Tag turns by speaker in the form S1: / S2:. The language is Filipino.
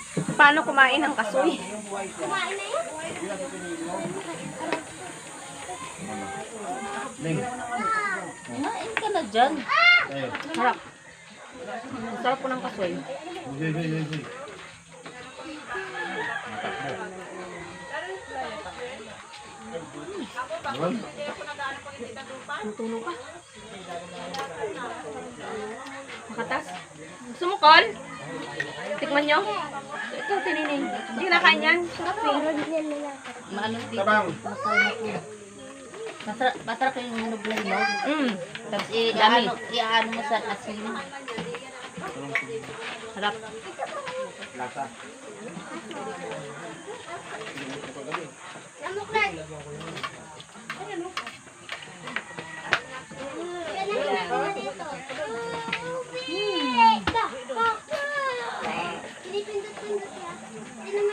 S1: Paano kumain ng kasoy?
S2: Kumain na yan.
S3: Kumain ka na dyan.
S1: Sarap. Sarap po ng kasoy. Tutulog ka. Makatas. Gusto mo, Col? Tikman nyo? Ito, tinining. Hindi ka nakain yan. Sarap eh.
S3: Maano dito. Masarap po. Masarap yung hinog na hinog. Tapos i-ano mo sa asin.
S1: Sarap.
S2: Lamok na. Pinipindot-pindot yan.